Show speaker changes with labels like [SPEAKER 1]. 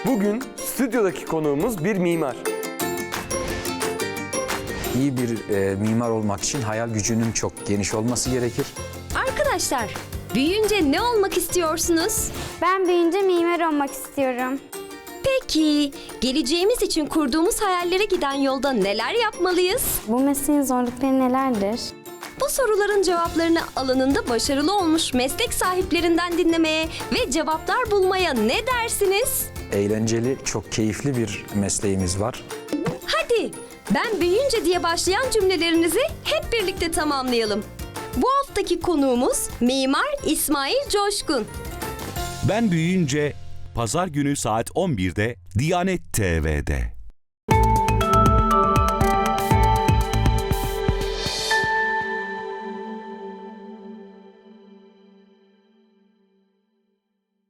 [SPEAKER 1] Bugün stüdyodaki konuğumuz bir mimar.
[SPEAKER 2] İyi bir mimar olmak için hayal gücünün çok geniş olması gerekir.
[SPEAKER 3] Arkadaşlar, büyüyünce ne olmak istiyorsunuz?
[SPEAKER 4] Ben büyüyünce mimar olmak istiyorum.
[SPEAKER 3] Peki, geleceğimiz için kurduğumuz hayallere giden yolda neler yapmalıyız?
[SPEAKER 4] Bu mesleğin zorlukları nelerdir?
[SPEAKER 3] Bu soruların cevaplarını alanında başarılı olmuş meslek sahiplerinden dinlemeye ve cevaplar bulmaya ne dersiniz?
[SPEAKER 2] Eğlenceli, çok keyifli bir mesleğimiz var.
[SPEAKER 3] Hadi, ben büyüyünce diye başlayan cümlelerinizi hep birlikte tamamlayalım. Bu haftaki konuğumuz Mimar İsmail Coşkun.
[SPEAKER 5] Ben büyüyünce Pazar günü saat 11'de Diyanet TV'de.